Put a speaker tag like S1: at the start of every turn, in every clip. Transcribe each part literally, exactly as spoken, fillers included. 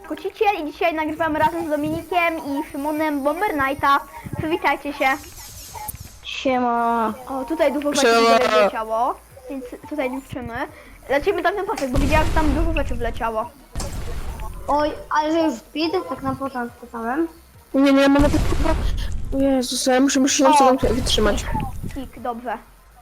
S1: Kociciel i dzisiaj nagrywamy razem z Dominikiem i Szymonem Bomber Knighta. Przywitajcie się.
S2: Siema.
S1: O, tutaj dużo rzeczy wleciało, więc tutaj liczymy. Lecimy tam ten pasek, bo widziałam, że tam dużo rzeczy wleciało.
S2: Oj, ale że już speed, tak na początku samym.
S3: Nie, nie, mamy chyba... O Jezus, ja muszę, muszę się
S1: O!
S3: sobie wytrzymać.
S1: Kik, dobrze.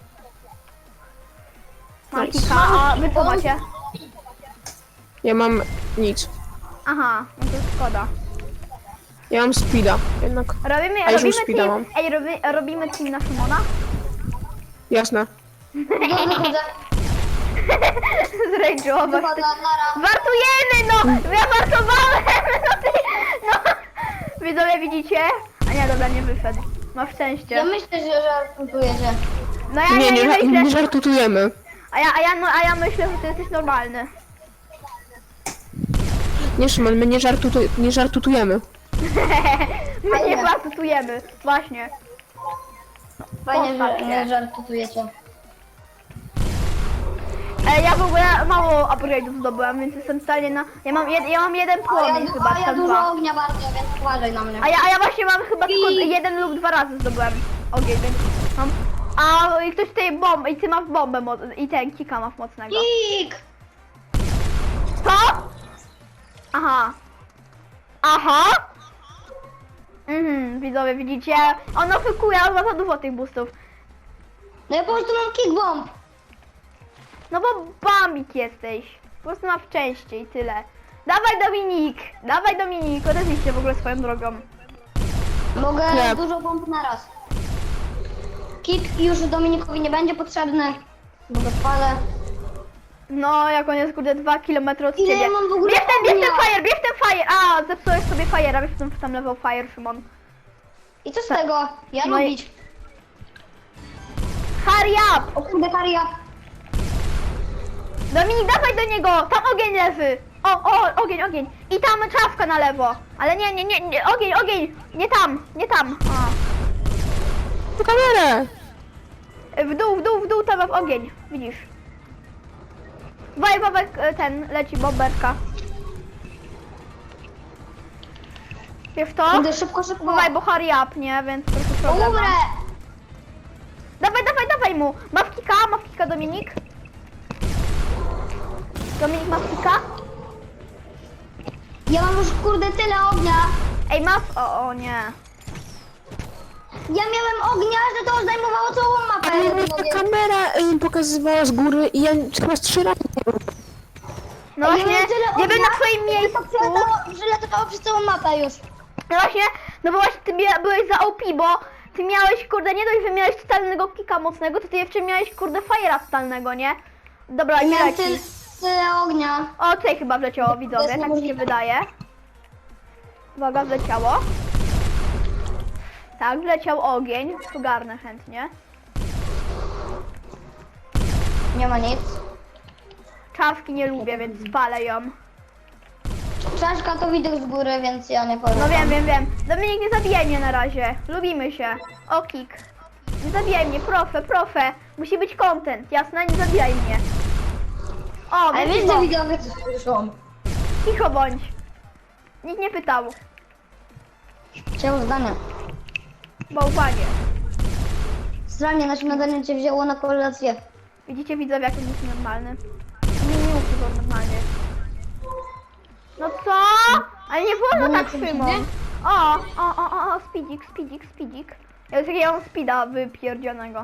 S1: Mam
S3: Nice.
S1: kika, a wy co macie?
S3: Ja mam nic.
S1: Aha, no to szkoda.
S3: Ja mam speeda, jednak.
S1: Robimy,
S3: A już
S1: robimy
S3: speeda
S1: team,
S3: mam.
S1: ej, robi, robimy team na Szymona?
S3: Jasne.
S2: Dobrze chodzę.
S1: Zrage'ować.
S2: Chyba dla nara.
S1: Wartujemy, no! Ja wartowałem! No ty, no! Widzowie, widzicie? A nie, dobra, nie wyszedł. Masz szczęście.
S2: Ja myślę, że żartujecie.
S1: No ja
S3: Nie,
S1: nie,
S3: nie,
S1: nie
S3: nie,
S1: myślę.
S3: żartujemy.
S1: A ja, a ja, no, a ja myślę, że ty jesteś normalny.
S3: Nie, Szymon, my nie, żartu, nie żartujemy.
S1: My nie
S2: Fajnie.
S1: wartujemy. Właśnie.
S2: Fajnie,
S1: Postaw
S2: że
S1: się.
S2: nie żartujecie.
S1: E, ja w ogóle mało upgrade'ów zdobyłam, więc jestem w stanie na... Ja mam, jed, ja mam jeden
S2: A
S1: płomień
S2: ja,
S1: chyba,
S2: a ja
S1: tam
S2: dużo
S1: dwa.
S2: ognia bardzo, więc uważaj na mnie.
S1: A ja, a ja właśnie mam chyba tylko
S2: I-
S1: jeden lub dwa razy zdobyłem ogień, więc mam... A i ktoś tej bomb, i ty masz bombę moc, i ten kika masz mocnego.
S2: Kik!
S1: Co? Aha. Aha? Mhm, widzowie, widzicie? On oszukuje, on ma za dużo tych boostów.
S2: No ja po prostu mam kick bomb.
S1: No bo bambik jesteś. Po prostu masz szczęście i tyle. Dawaj Dominik! Dawaj Dominik! Odezwij się w ogóle swoją drogą.
S2: Mogę
S3: Nie.
S2: dużo bomb na raz. Kick już Dominikowi nie będzie potrzebny, bo go spalę.
S1: No, jak on jest kurde dwa kilometry od
S2: Ile
S1: ciebie.
S2: ja mam w ogóle
S1: Bierz ten, bierz ten
S2: ognia?
S1: fire, bierz ten fire! A, zepsułeś sobie fire'a, wiesz, tam, tam level fire, Szymon.
S2: I co z tego? Ja
S1: No i-
S2: lubić.
S1: Hurry up!
S2: O kurde, Karia.
S1: Dominik, dawaj do niego! Tam ogień leży! O, o, ogień, ogień! I tam czawka na lewo! Ale nie, nie, nie, nie, ogień, ogień! Nie tam, nie tam! A.
S3: To kamerę!
S1: W dół, w dół, w dół, tam masz ogień, widzisz. Waj, bobek, e, ten, leci boberka. Wiesz to?
S2: Kurde, szybko, szybko.
S1: Bywaj, bo hurry up, nie? Więc trochę problem.
S2: Umrę!
S1: Dawaj, dawaj, dawaj mu! Masz kika, masz kika, Dominik? Dominik, masz kika?
S2: Ja mam już kurde tyle ognia.
S1: Ej, masz... O, o nie.
S2: Ja miałem ognia, że to zajmowało całą mapę.
S3: Ale
S2: Ja
S3: mnie
S2: nie
S3: ta
S2: mogę.
S3: kamera y, pokazywała z góry i ja chyba z trzy razy nie wiem.
S1: No
S2: Ja
S1: właśnie,
S2: miałem tyle
S1: nie
S2: ognia,
S1: wiem na twoim
S2: że
S1: miejscu.
S2: to przelatało- że latało przez całą mapę już.
S1: No właśnie, no bo właśnie ty bia- byłeś za O P, bo ty miałeś, kurde, nie dość, że miałeś totalnego kika mocnego, to ty jeszcze miałeś, kurde, fire'a totalnego, nie? Dobra,
S2: Ja
S1: nie
S2: miałem
S1: leci.
S2: tyle, tyle ognia.
S1: O, tutaj chyba wleciało, widzowie,
S2: jest
S1: tak mi się
S2: niemożliwe.
S1: wydaje. Uwaga, wleciało. Tak, wleciał ogień, ogarnę chętnie.
S2: Nie ma nic.
S1: Czawki nie lubię, więc spalę ją.
S2: Czaszka to widok z góry, więc ja nie powiem.
S1: No wiem, wiem, wiem. Dominik, nie zabijaj mnie na razie. Lubimy się. O, kik. Nie zabijaj mnie, profe, profe. Musi być content, jasne? Nie zabijaj mnie. O,
S2: Ale
S1: więc
S2: wiesz,
S1: cicho.
S2: że widowie coś słyszą.
S1: Cicho bądź. Nikt nie pytał.
S2: Chciał zdania.
S1: Bałwanie.
S2: Strasznie na śniadanie cię wzięło na kolację.
S1: Widzicie, widzowie, jak on jest normalny? Nie, nie mów, że on normalny jest. No co? Ale nie wolno
S2: Bo
S1: tak,
S2: nie
S1: Szymon.
S2: widzę.
S1: O, o, o, o, o, speedzik, speedzik, speedzik. Ja już jakiego mam speeda wypierdzionego.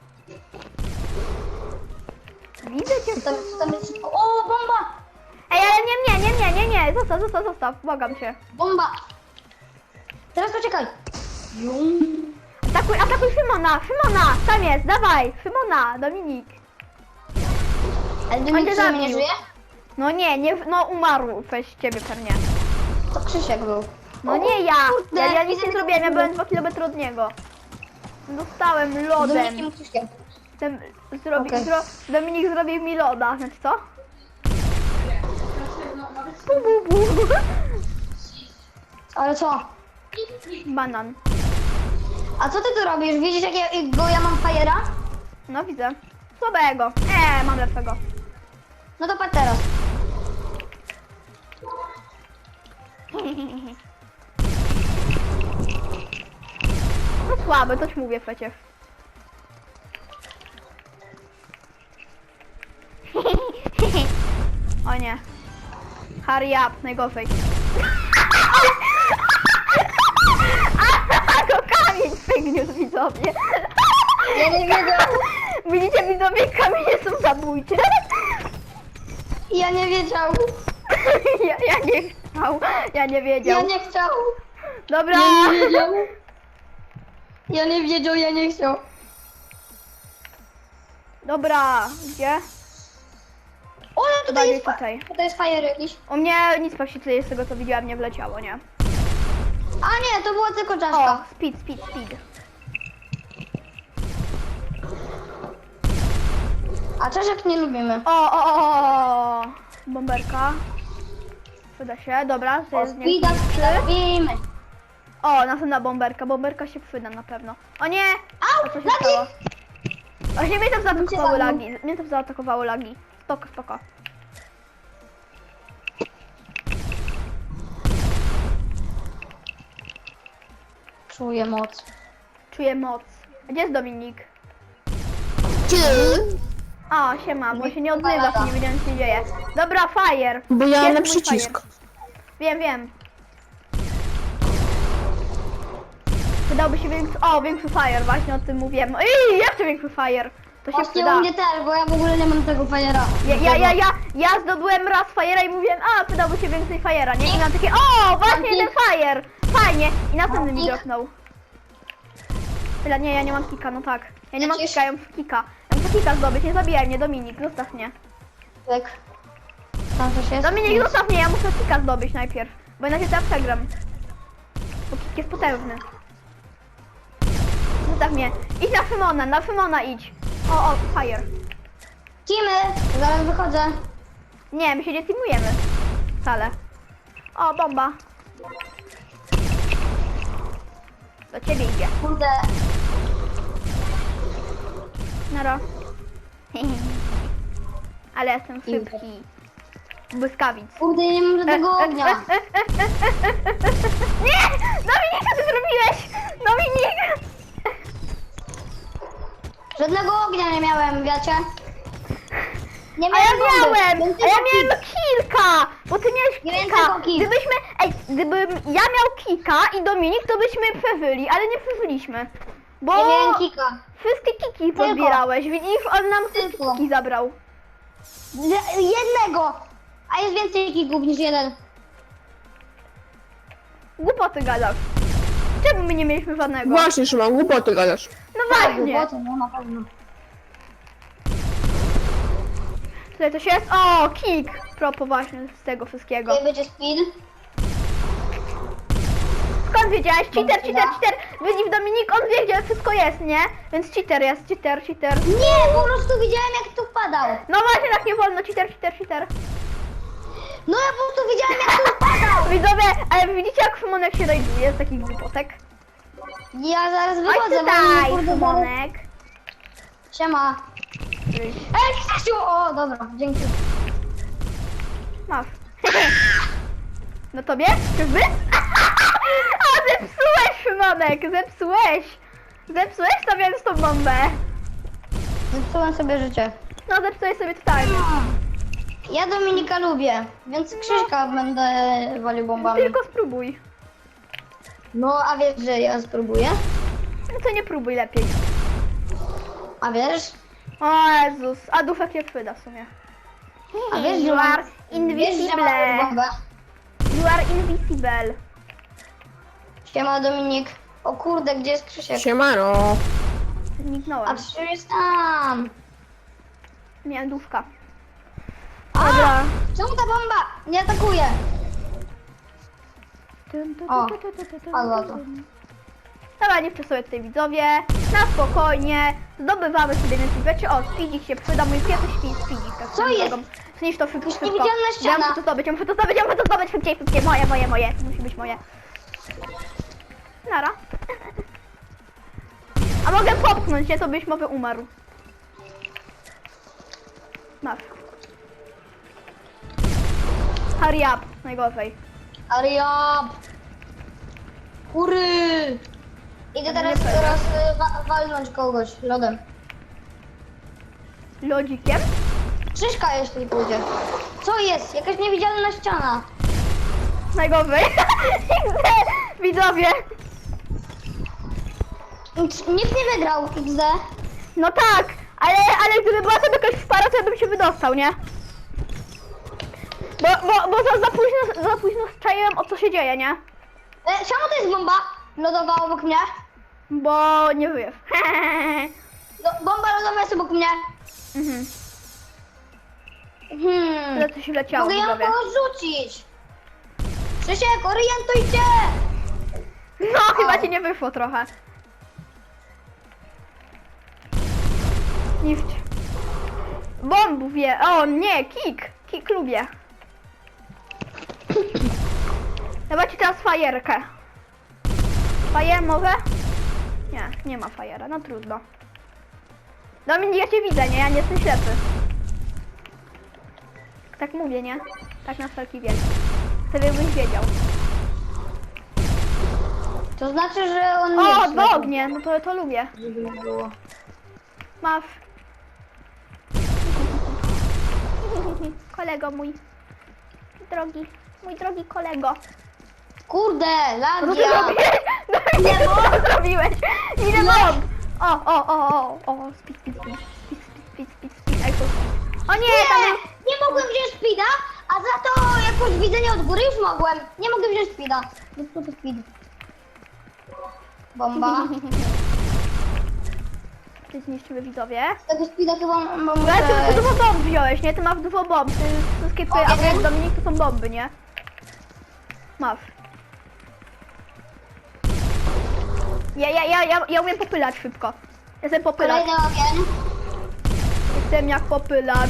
S1: Widzę cię.
S2: Co tam, co tam jest? O, bomba!
S1: Ej, ale nie, nie, nie, nie, nie, nie, zostaw, zostaw, zostaw, błagam cię.
S2: Bomba! Teraz poczekaj.
S1: Atakuj, atakuj Szymona, Szymona, tam jest, dawaj, Szymona, Dominik.
S2: Ale
S1: On
S2: Dominik
S1: cię
S2: co, nie
S1: zabił.
S2: żyje?
S1: No nie, nie, no umarł przez ciebie pewnie.
S2: To Krzysiek był.
S1: No
S2: O,
S1: nie ja,
S2: kurde,
S1: ja, ja nic
S2: widzę
S1: nie
S2: tego
S1: zrobiłem, ja
S2: kurde.
S1: byłem dwa kilometry od niego. Dostałem
S2: Z
S1: lodem.
S2: Dominikiem Krzyśkiem.
S1: Ten, zrobi,
S2: Okej.
S1: zro, Dominik zrobił mi loda, znaczy co? Bu, bu, bu.
S2: Ale co?
S1: Banan.
S2: A co ty tu robisz? Widzisz jakiego ja mam fajera?
S1: No widzę. Słabego. Eee, mam lepszego.
S2: No to patrz teraz.
S1: No słabe, to ci mówię przecież. O nie. Hurry up, najgorzej. A go kamień przygniósł, widzowie.
S2: Ja nie wiedział.
S1: Widzicie, widzowie, kamienie są zabójcze.
S2: Ja nie wiedział.
S1: Ja, ja nie chciał, ja nie
S2: Ja
S1: wiedział.
S2: nie chciał.
S1: Dobra.
S2: Ja nie wiedział. Ja nie wiedział, ja nie chciał.
S1: Dobra, gdzie?
S2: O, no tutaj
S1: Bardziej
S2: jest, fa-
S1: tutaj.
S2: tutaj jest fire jakiś.
S1: U mnie nic właściwie z tego co widziałam nie wleciało, nie?
S2: A nie, to była tylko
S1: O,
S2: czaszka.
S1: speed, speed, speed.
S2: A czaszek nie lubimy.
S1: O, o, o, o, o. Bomberka. Przyda się, dobra, to
S2: O,
S1: jest nie
S2: speeda
S1: trzy.
S2: lubimy.
S1: O, następna bomberka, bomberka się przyda na pewno. O nie!
S2: Au,
S1: A co się
S2: lagi!
S1: stało? Właśnie mnie tam zaatakowały
S2: zabił.
S1: lagi. Mnie tam zaatakowały lagi. Spoko, spoko.
S2: Czuję moc.
S1: Czuję moc. A gdzie jest Dominik?
S3: Ty!
S1: O, siema, bo się nie odzywa, to nie wiedziałem co się dzieje. Dobra, fire!
S3: Bo ja
S1: Jest
S3: na
S1: mój
S3: przycisk.
S1: fire. Wiem, wiem. Przydałby się większy... O, większy fire, właśnie o tym mówiłem. Ej, jeszcze większy fire! To się
S2: Właśnie
S1: przyda.
S2: u mnie też, bo ja w ogóle nie mam tego fajera.
S1: Ja, ja, ja, ja, ja zdobyłem raz fajera i mówiłem, a przydałby się więcej fajera, nie? I mam takie, o, właśnie jeden fire! Fajnie! I następny mi
S2: Kik.
S1: dropnął. Tyle, nie, ja nie mam kika, no tak. Ja nie mam
S2: Lecisz?
S1: kika, ja muszę kika. Ja muszę kika zdobyć, nie zabijaj mnie, Dominik, zostaw mnie.
S2: Tak. Tam coś jest?
S1: Dominik, zostaw mnie, ja muszę kika zdobyć najpierw. Bo inaczej teraz przegram. Bo kik jest potężny. Zostaw mnie. Idź na Szymona, na Szymona idź. O, o, fire.
S2: Teamy! Zaraz wychodzę.
S1: Nie, my się nie teamujemy. Wcale. O, bomba. Do ciebie idzie.
S2: Kurde.
S1: Nara. Ale jestem szybki. Błyskawic.
S2: Kurde, ja nie mam żadnego ognia.
S1: Nie! Dominik, co ty zrobiłeś? Dominik!
S2: Żadnego ognia nie miałem, wiecie? Nie
S1: A ja
S2: bomby.
S1: miałem!
S2: Więc
S1: A ja
S2: tylko
S1: miałem
S2: kik.
S1: kilka! Bo ty miałeś
S2: Nie wiem,
S1: kilka!
S2: tylko kik.
S1: Gdybyśmy... Ej, gdybym ja miał kika i Dominik, to byśmy przeżyli, ale nie przeżyliśmy. Bo
S2: Ja miałem kika.
S1: wszystkie kiki pozbierałeś, widzisz? On nam wszystkie
S2: Tylko.
S1: kiki zabrał.
S2: Le- Jednego! A jest więcej kików niż jeden.
S1: Głupoty gadasz. Czemu my nie mieliśmy żadnego?
S3: Właśnie, Szymon, głupoty gadasz.
S1: No właśnie.
S2: Głupoty, no na pewno.
S1: Tutaj coś jest? O, kick! Propo właśnie z tego wszystkiego.
S2: Tutaj będzie speed.
S1: Skąd wiedziałeś? Cheater,
S2: Dobra.
S1: cheater, cheater! Widzisz Dominik, on wie gdzie wszystko jest, nie? Więc cheater jest, cheater, cheater.
S2: Nie, po prostu widziałem jak tu wpadał.
S1: No właśnie, tak nie wolno, cheater, cheater, cheater.
S2: No ja po prostu widziałem jak tu wpadał.
S1: Widzowie, ale widzicie jak Szymonek się rajduje z takich głupotek?
S2: Ja zaraz
S1: Chodź
S2: wychodzę, bo mnie
S1: tutaj,
S2: kurde zaraz...
S1: Szymonek.
S2: Siema. Ej, Krzysiu! O, dobra, dzięki.
S1: Masz. No tobie? Czyżby? A zepsułeś, Szymonek, zepsułeś. Zepsułeś, stawiając tą bombę.
S2: Zepsułem sobie życie.
S1: No zepsułeś sobie totalnie.
S2: Ja Dominika lubię, więc Krzyśka będę walił bombami.
S1: Tylko spróbuj.
S2: No, a wiesz, że ja spróbuję?
S1: No to nie próbuj lepiej.
S2: A wiesz?
S1: O Jezus, a dufek nie przyda w sumie.
S2: A wiesz,
S1: You
S2: że mam...
S1: are
S2: Wiesz, że
S1: invisible.
S2: mam bombę?
S1: You are invisible.
S2: Siema Dominik. O kurde, gdzie jest Krzysiek?
S3: Siemano.
S2: A
S1: Zniknąłem.
S2: Krzysiek jest tam.
S1: Miałem dufka.
S2: A,
S1: Dobra.
S2: czemu ta bomba nie atakuje? O, padła to.
S1: Dobra, nie wczesuję tutaj widzowie. Na spokojnie. Zdobywamy sobie więcej rzeczy. O, speedzik się przyda. Mój pierwszy speed, speedzik. Tak
S2: Co
S1: swoją
S2: jest?
S1: drogą. Zniszcz to szybko,
S2: Jest
S1: szybko.
S2: niewidzialna
S1: Ja
S2: ściana.
S1: muszę to zdobyć, ja muszę to zdobyć, ja muszę to zdobyć. Szybciej, szybciej. Moje, moje, moje. To musi być moje. Nara. A mogę popchnąć, nie? To byś może umarł. Masz. Hurry up. Najgorzej.
S2: Ariab! Kury! Idę teraz,
S1: Nie
S2: teraz y, wa walnąć kogoś lodem.
S1: Lodzikiem?
S2: Krzyżka jeśli pójdzie. Co jest? Jakaś niewidzialna ściana.
S1: Najgorzej. Widzowie.
S2: Nic- Nikt nie wygrał, X D.
S1: No tak, ale, ale gdyby była to jakaś spara, to ja bym się wydostał, nie? Bo, bo, bo za, za późno, za późno strzaiłem, o co się dzieje, nie?
S2: E, czemu to jest bomba lodowa obok mnie?
S1: Bo nie żyjesz.
S2: No, bomba lodowa jest obok mnie.
S1: Mhm.
S2: Hmm.
S1: Tyle co się leciało,
S2: Mogę ją
S1: widzowie.
S2: porzucić. Krzysiek, orientuj się!
S1: No, chyba ci nie wyszło trochę. Niszcz. Bombu wie. O nie, kick. Kick lubię. Dawajcie teraz fajerkę. Fajer może? Nie, nie ma fajera, no trudno. Dominik, ja cię widzę, nie? Ja nie jestem ślepy. Tak mówię, nie? Tak na wszelki wielki. Chcę, żebyś wiedział.
S2: To znaczy, że on nie
S1: O,
S2: jest
S1: dwa
S2: ślepy.
S1: ognie, no to, to lubię.
S2: Żeby było.
S1: Masz. Kolego mój. Drogi, mój drogi kolego.
S2: Kurde,
S1: Co ty
S2: lagia!
S1: zrobiłeś? Nie, co zrobiłeś? Ile mam? O, o, o, o, o, speed, speed, speed, speed, speed, speed, speed, speed, speed. O nie, tam
S2: Nie,
S1: był...
S2: nie mogłem wziąć speeda, a za to jakoś widzenie od góry już mogłem. Nie mogę wziąć speeda. No co to speed? Bomba.
S1: Ty zniszczyły widzowie.
S2: Z tego speeda chyba mam
S1: Ale ty, ty
S2: muszę...
S1: dużo bomb wziąłeś, nie? Ty masz dużo bomb. Ty wszystkie twoje
S2: O,
S1: apy jak
S2: jeden.
S1: Dominik to są bomby, nie? Masz. Ja, ja, ja, ja, ja umiem popylać szybko. Jestem popylacz.
S2: Kolejny ogień.
S1: Jestem jak popylacz.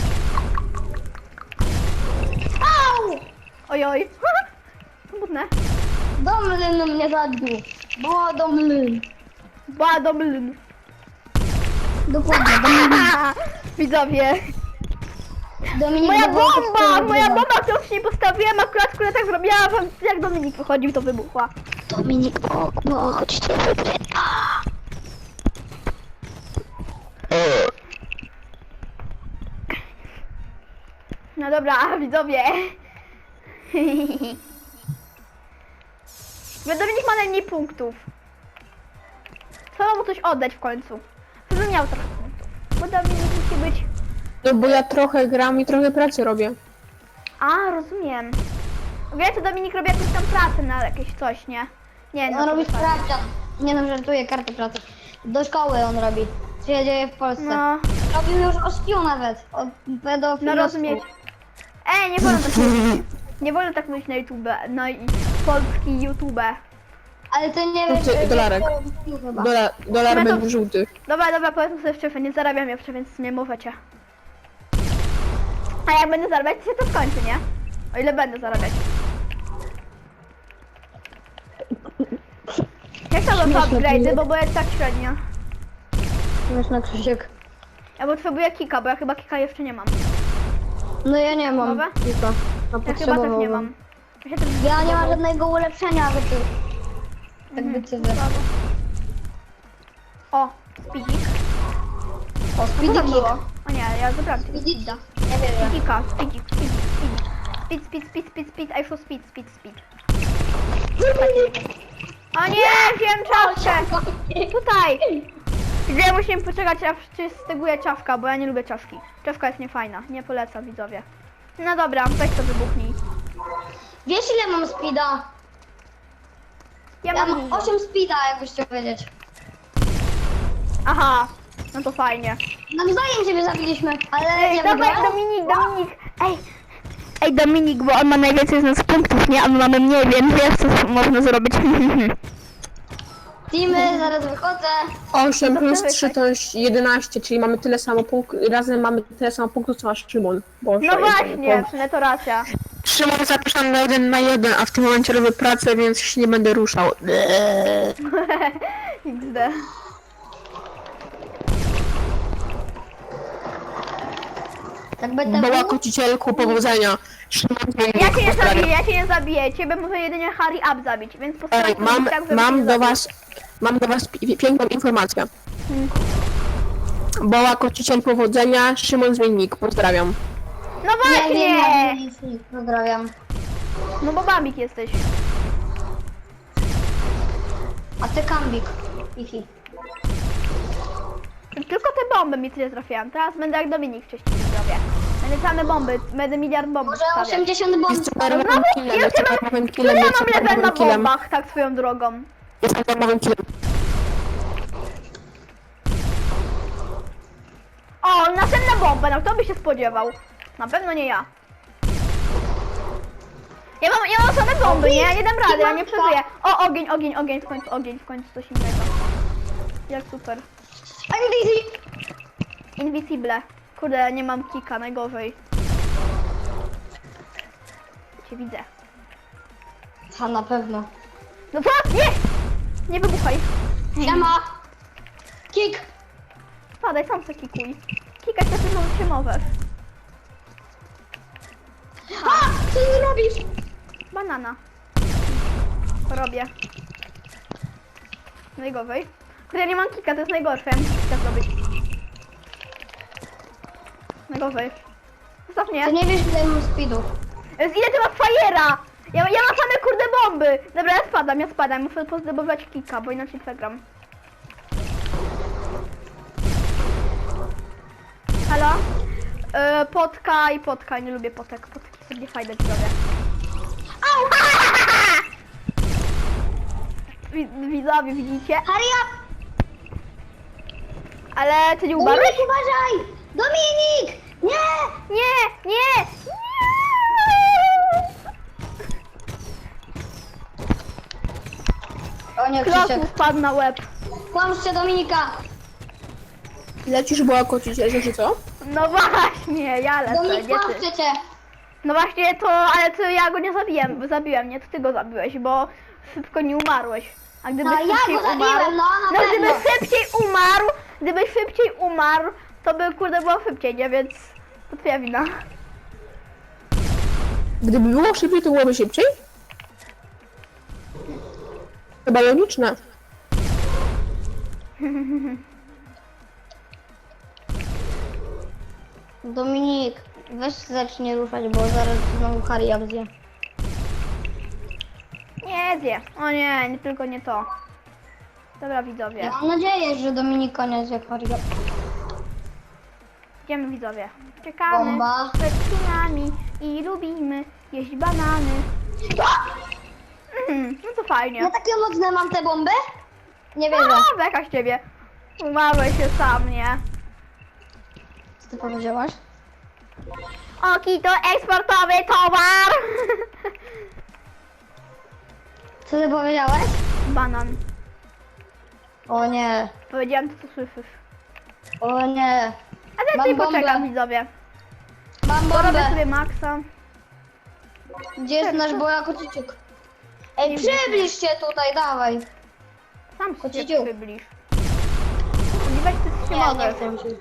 S2: Au!
S1: Ojoj. Smutne.
S2: Domlyn mnie zabił. Było domlyn.
S1: Badomlyn.
S2: Dokładnie, domlyn.
S1: Widzowie.
S2: Dominik
S1: Moja
S2: wywołał to
S1: bomba!
S2: swoją
S1: Moja
S2: grę.
S1: bomba, którą wcześniej postawiłem, akurat która tak zrobiła, że jak Dominik wychodził, to wybuchła.
S2: Dominik, bo, bo chodźcie wygrać.
S1: No dobra, widzowie. Bo Dominik ma najmniej punktów. Trzeba mu coś oddać w końcu. Żeby miał trochę punktów. Bo Dominik musi być...
S3: No bo ja trochę gram i trochę pracy robię.
S1: A, rozumiem. Wiesz, to Dominik robi jakąś tam pracę na jakieś coś, nie? Nie, no
S2: On
S1: to
S2: robi
S1: wypadnie.
S2: sprawdzian. Nie no, żartuję, kartę pracy. Do szkoły on robi. Co się dzieje w Polsce.
S1: No,
S2: Robił już o skill nawet. O pedofilstwie.
S1: no rozumiem. Ej, nie wolno tak mówić. Nie wolno tak mówić na YouTube, no i polski YouTube.
S2: Ale to nie
S3: To
S2: wiesz...
S3: ty,
S2: wiesz,
S3: dolarek.
S2: co robił chyba.
S3: Dolar, dolar
S1: No to-
S3: będzie żółty.
S1: Dobra, dobra, powiedzmy sobie szczerze, nie zarabiam jeszcze, więc nie możecie. A jak będę zarabiać, to się to skończy, nie? O ile będę zarabiać. Jak to są
S2: Śmieszne
S1: upgrade'y,
S2: to
S1: bo bo jest tak średnio.
S2: Śmieszny Krzysiek.
S1: Ja potrzebuję kika, bo ja chyba kika jeszcze nie mam.
S2: No ja nie mam.
S1: Dobra?
S2: Tylko. A
S1: Ja chyba też nie
S2: potrzebowałbym.
S1: mam. Ja, się też
S2: Ja nie mam żadnego ulepszenia, aby ty... Tak
S1: Mhm,
S2: by ty wy.
S1: słabo. O, speedzik.
S2: O,
S1: Co to
S2: speediki.
S1: było? O nie, ja zabrałam tego
S2: Speediki.
S1: speeda.
S2: Nie wiem.
S1: Speedika, speedzik, speedzik, speedzik. Speed, speed, speed, speed, speed, I show speed, speed, speed. O nie, wziąłem czaszkę! Tutaj! Gdzie musimy poczekać, aż się styguje czaszka, bo ja nie lubię czaszki. Czaszka jest niefajna, nie polecam widzowie. No dobra, weź to wybuchnij.
S2: Wiesz ile mam speeda?
S1: Ja
S2: Ja
S1: mam
S2: mam
S1: dużo.
S2: osiem speeda, jakbyś chciał wiedzieć.
S1: Aha, no to fajnie.
S2: Nawzajem siebie zabiliśmy, ale
S1: Ej,
S2: ja
S1: dawaj
S2: wygrałem.
S1: Dominik, Dominik, ej! Ej Dominik, bo on ma najwięcej z nas punktów, nie? A my mamy mniej, więc wiesz co można zrobić.
S2: Teamy, zaraz wychodzę.
S3: osiem plus
S1: Dobra,
S3: trzy to jest jedenaście, czyli mamy tyle samo punktów, razem mamy tyle samo punktów co masz Szymon. Boże,
S1: No
S3: Jezu,
S1: właśnie,
S3: to-
S1: no to racja.
S3: Szymon zapraszam na jeden na jeden, a w tym momencie robię pracę, więc się nie będę ruszał.
S1: iks de.
S2: Tak będę
S3: Boła
S2: mógł.
S3: kocicielku, powodzenia. Szymon
S1: Ja cię nie
S3: pozdrawiam.
S1: zabiję, ja cię nie zabiję. Ciebie może jedynie Harry Up zabić, więc
S3: Ej,
S1: postaram
S3: mam,
S1: tak, żeby
S3: mam
S1: cię
S3: do
S1: zabił.
S3: was, mam do was pi- piękną informację.
S1: Hmm.
S3: Boła Kociciel powodzenia, Szymon Zmiennik, pozdrawiam.
S1: No
S2: Nie,
S1: właśnie!
S2: nie, nie, nie, nie, pozdrawiam.
S1: No bo babik jesteś.
S2: A ty Kambik. Ichi.
S1: Tylko te bomby mi tyle trafiają. Teraz będę jak Dominik wcześniej zrobię. Będę same bomby, będę miliard bomb
S2: Może
S1: stawiać.
S2: osiemdziesiąt bomb.
S3: Jest
S1: No
S3: superowym
S1: znowu,
S3: killem,
S1: ja
S3: jest
S1: cię mam,
S3: superowym
S1: ile
S3: killem,
S1: ja
S3: jest
S1: mam level na
S3: superowym killem.
S1: bombach, tak swoją drogą.
S3: Jest superowym killem.
S1: O, następna bomba, no kto by się spodziewał? Na pewno nie ja. Ja mam, ja mam same bomby, nie? Ja nie dam rady, ja nie przeżyję. O, ogień, ogień, ogień, w końcu ogień, w końcu coś innego. Jak super. Invisible. Kurde, nie mam kika, najgorzej. Cię widzę.
S2: A na pewno.
S1: No co? Nie! Nie wybuchaj.
S2: Siema. Kik.
S1: Spadaj, sam se kikuj. Kikać to tylko się możesz.
S2: A! Co ty robisz?
S1: Banana. Robię. Najgorzej. Kurde, ja nie mam kika, to jest najgorsze. Ja muszę kika zrobić. Najgorzej. Zostaw mnie.
S2: Ty nie wiesz, ile mam speedów.
S1: Jest, ile ty masz fajera? Ja, ja mam same kurde bomby. Dobra, ja spadam, ja spadam. Muszę pozdobywać kika, bo inaczej przegram. Halo? Yy, potka i potka. Nie lubię potek. Potki sobie fajne widzowie. Au! Wi- Widzowie, widzicie?
S2: Hurry up!
S1: Ale ty nie umarłeś?
S2: Dominik, uważaj! Dominik! Nie!
S1: Nie, nie, nie!
S2: O nie,
S1: Kroku
S2: Krzysiek.
S1: wpadł na łeb.
S2: Kłamszcie Dominika!
S3: Lecisz Boła Kociciel, że co?
S1: No właśnie, ja lecę,
S2: Dominik,
S1: nie ty.
S2: kłamszcie cię!
S1: No właśnie to, ale to ja go nie zabiłem, bo zabiłem, nie, to ty go zabiłeś, bo szybko nie umarłeś. A gdybyś
S2: No, ja
S1: szybciej
S2: go zabiłem,
S1: umarł,
S2: no, na
S1: no
S2: pewno.
S1: gdybyś szybciej umarł, gdybyś szybciej umarł, to by kurde było szybciej, nie, więc to twoja wina.
S3: Gdyby było szybciej, to byłoby szybciej? Chyba logiczne.
S2: Dominik, weź zacznie ruszać, bo zaraz znowu Harry up zje.
S1: Nie zje, o nie, nie tylko nie to. Dobra widzowie,
S2: Ja mam nadzieję, że Dominik koniec jak Harry up.
S1: idziemy widzowie. Czekamy
S2: Bomba.
S1: przed skinami i lubimy jeść banany. Mm, no to fajnie.
S2: Ja takie mocne mam te bomby? Nie wierzę.
S1: No, beka z ciebie. Umarłeś się sam, nie?
S2: Co ty powiedziałaś?
S1: Oki to eksportowy towar!
S2: Co ty powiedziałeś?
S1: Banan.
S2: O nie,
S1: Powiedziałem to, co słyszysz.
S2: o nie.
S1: A teraz
S2: Mam
S1: sobie
S2: bombę.
S1: poczekam, widzowie.
S2: Mam
S1: Porobię
S2: bombę.
S1: sobie maksa.
S2: Gdzie jest nasz boja kociciuk? Ej, przybliż się tutaj, dawaj.
S1: Sam się
S2: Kociciu.
S1: przybliż. Spodziewać ty się
S2: Nie, nie
S1: możesz.
S2: chcę mi się.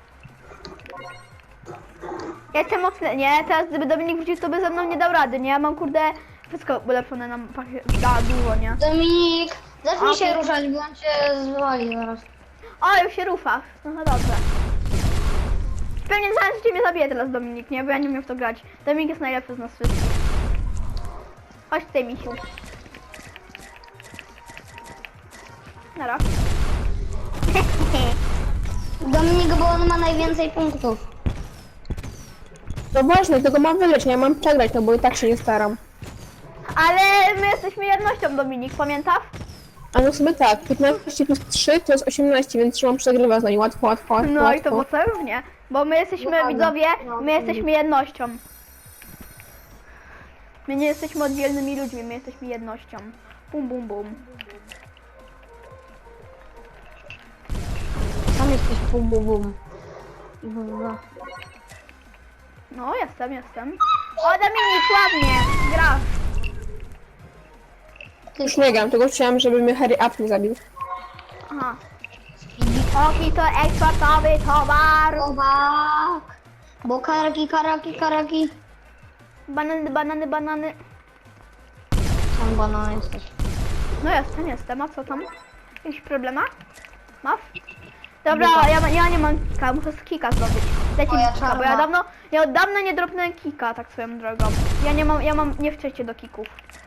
S1: Ja jestem mocny, nie? Teraz gdyby Dominik wrócił, to by ze mną nie dał rady, nie? Ja mam kurde wszystko ulepszone na pakie- na dużo, nie?
S2: Dominik, zacznij się
S1: Okej.
S2: ruszać, bo on cię zwali zaraz.
S1: O, już się ruszasz. No, no dobrze. Pewnie zaraz ciebie zabije teraz Dominik, nie? Bo ja nie umiem w to grać. Dominik jest najlepszy z nas wszystkich. Chodź tutaj, misiu. Nara.
S2: Dominik, bo on ma najwięcej punktów.
S3: No właśnie, tego mam wygrać, ja mam przegrać, no bo i tak się nie staram.
S1: Ale my jesteśmy jednością, Dominik, pamiętasz?
S3: A no sobie tak, piętnaście plus trzy to jest osiemnaście, więc Szymon przegrywa z nami, łatwo, łatwo, łatwo,
S1: No i to
S3: łatwo.
S1: było równie. Bo my jesteśmy,
S2: Dokładnie.
S1: widzowie,
S2: No,
S1: my jesteśmy jednością. My nie jesteśmy oddzielnymi ludźmi, my jesteśmy jednością. Bum, bum, bum.
S2: Sam jesteś bum bum bum. Bum.
S1: No, jestem, jestem. O, Dominik, ładnie, grasz.
S3: Już nie gram, tylko chciałam, żeby mnie Harry Up nie zabił.
S1: Aha. Oki to eksportowy towar.
S2: Chłopak. Bo karaki, karaki, karaki.
S1: Banany, banany, banany.
S2: Tam banan jesteś.
S1: No jestem, jestem. A co tam? Jakiś problema? Masz? Dobra,
S2: Dupa.
S1: ja, ja nie mam kika, muszę z kika zrobić. Dajcie mi
S2: Moja
S1: kika, bo ja
S2: czarna.
S1: dawno, ja od dawna nie dropnąłem kika, tak swoją drogą. Ja nie mam, ja mam, nie wczycie do kików.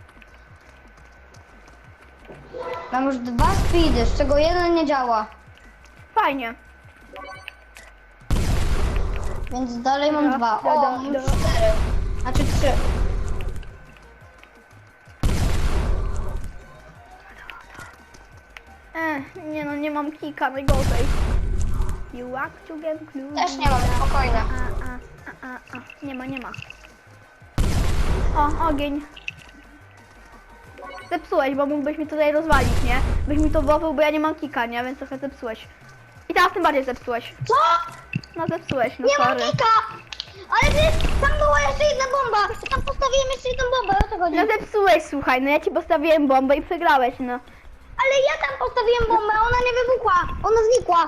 S2: Mam już dwa speedy, z czego jeden nie działa.
S1: Fajnie.
S2: Więc dalej mam
S1: Da,
S2: dwa.
S1: da,
S2: O,
S1: da,
S2: mam
S1: da.
S2: cztery. Znaczy trzy.
S1: E, nie no, nie mam kika, najgorzej. You walk to get clue.
S2: Też nie mam, spokojnie.
S1: A, a, a, a, a. Nie ma, nie ma. O, ogień. Zepsułeś, bo mógłbyś mi tutaj rozwalić, nie? Byś mi to wołał, bo ja nie mam kika, nie? Więc trochę zepsułeś. I teraz tym bardziej zepsułeś.
S2: Co?
S1: No zepsułeś, no
S2: Nie mam
S1: sorry.
S2: kika! Ale ty, tam była jeszcze jedna bomba! Tam postawiłem jeszcze jedną bombę, o co chodzi?
S1: No zepsułeś, słuchaj, no ja ci postawiłem bombę i przegrałeś, no.
S2: Ale ja tam postawiłem bombę, a ona nie wybuchła! Ona znikła!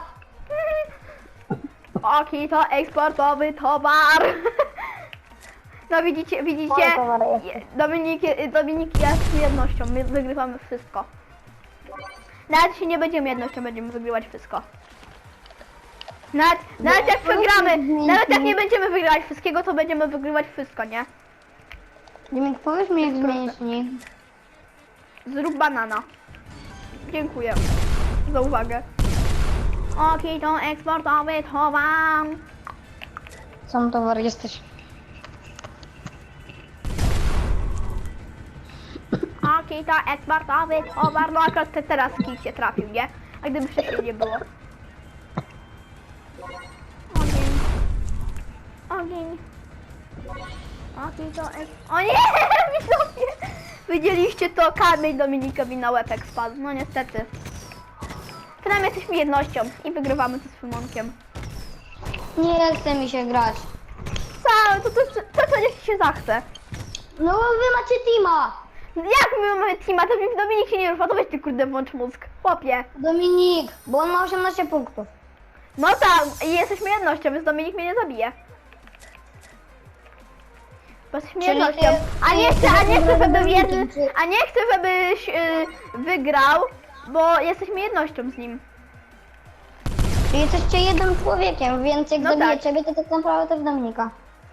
S1: Oki, to eksportowy towar. No widzicie, widzicie?
S2: Moje towary jest.
S1: Je- Dominik, Dominik jest jednością, my wygrywamy wszystko. Nawet się nie będziemy jednością, będziemy wygrywać wszystko. Nawet, nawet jak przegramy, nawet jak nie będziemy wygrywać wszystkiego, to będziemy wygrywać wszystko, nie?
S2: Dimiek, powiedz mi jak zmienić nick.
S1: Zrób banana. Dziękuję za uwagę. Oki, to eksportowy towar.
S2: Sam towar jesteś.
S1: Oki, to eksportowy towar. No akurat te teraz kij się trafił, nie? A gdyby wcześniej nie było. Ogień. Ogień. Oki, to ek... O nie! Widzowie! Widzieliście to? Kamień Dominikowi na łepek spadł. No niestety. Przynajmniej jesteśmy jednością i wygrywamy to z Symonkiem.
S2: Nie chce mi się grać.
S1: Co? To, to, to, to, to niech się zachce.
S2: No bo wy macie teama!
S1: Jak my mamy teama, to mi Dominik się nie rusza, to weź ty kurde włącz mózg. Chłopie.
S2: Dominik, bo on ma osiemnaście punktów.
S1: No tak, i jesteśmy jednością, więc Dominik mnie nie zabije. Bo jesteśmy
S2: Czyli
S1: jednością.
S2: ty-
S1: A nie
S2: ty
S1: chcę, a nie
S2: jesteś
S1: chcę, żeby
S2: Dominikiem,
S1: jeden,
S2: czy-
S1: a nie chcę, żebyś yy, wygrał, bo jesteśmy jednością z nim.
S2: Czyli jesteście jednym człowiekiem, więc jak
S1: No
S2: zabiję
S1: tak.
S2: ciebie, to tak naprawdę też Dominika.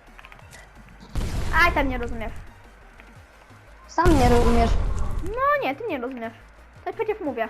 S1: Aj, tam nie rozumiesz.
S2: Sam nie rozumiesz.
S1: No nie, ty nie rozumiesz. To przecież mówię.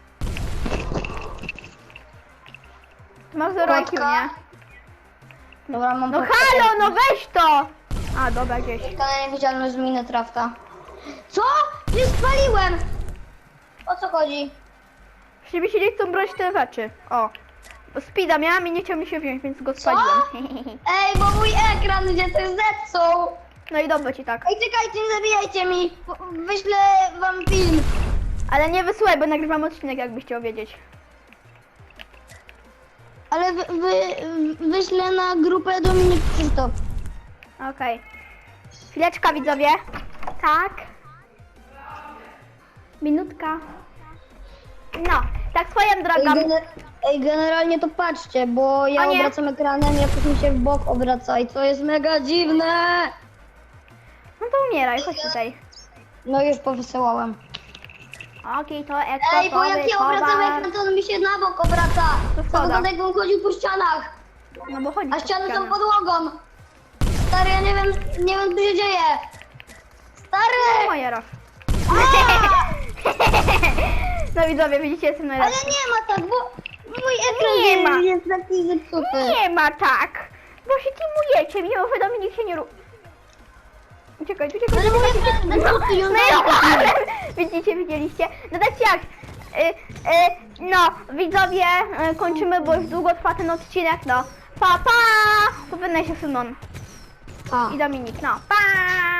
S1: Ty masz zero I Q,
S2: Kotka?
S1: nie?
S2: Dobra, mam
S1: No
S2: podkę.
S1: halo, no weź to! A, dobra, gdzieś.
S2: Na niewidzialność z Minecrafta. Co? Nie spaliłem! O co chodzi?
S1: Żeby się nie chcą brać te rzeczy. O. Bo speeda miałam i nie chciał mi się wziąć, więc go spaliłem.
S2: Ej, bo mój ekran gdzie to zepsuł!
S1: No i dobrze ci tak.
S2: Ej, czekajcie, nie zabijajcie mi! Wyślę wam film.
S1: Ale nie wysyłaj, bo nagrywam odcinek, jakbyś chciał wiedzieć.
S2: Ale wy, wy, wyślę na grupę Dominik Krzysztof.
S1: Okej. Chwileczka, widzowie. Tak. Minutka. No, tak swoją
S2: Ej,
S1: drogą.
S2: gener Ej, generalnie to patrzcie, bo ja
S1: O nie.
S2: obracam ekranem, jakoś mi się w bok obraca i to jest mega dziwne!
S1: No to umieraj, chodź tutaj.
S2: No już powysyłałem.
S1: Okej, to
S2: Ej,
S1: eksportowy
S2: bo jak ja obracam
S1: towar.
S2: ekran, to on mi się na bok obraca.
S1: To
S2: To
S1: szkoda.
S2: wygląda jakbym chodził po ścianach,
S1: No bo chodzi
S2: a
S1: po
S2: ściany są
S1: ścianach.
S2: podłogą. Stary, ja nie wiem, nie wiem co się dzieje. Stary!
S1: Moja raz. No widzowie, widzicie, jestem
S2: Ale
S1: najlepszy.
S2: nie ma tak, bo mój ekran
S1: Nie ma.
S2: jest taki zepsuty.
S1: Nie ma tak. Bo się teamujecie, mimo że Dominik się nie ru... Uciekaj, uciekaj,
S2: Ale mój
S1: uciekaj.
S2: ekran jest zepsuty i on
S1: No
S2: daje
S1: ja
S2: taki.
S1: Widzicie, widzieliście? No tak jak? Y, y, no, widzowie, y, kończymy, bo już długo trwa ten odcinek, no. Pa, pa! Pożegnaj się Szymon
S2: A.
S1: i Dominik, no. Pa!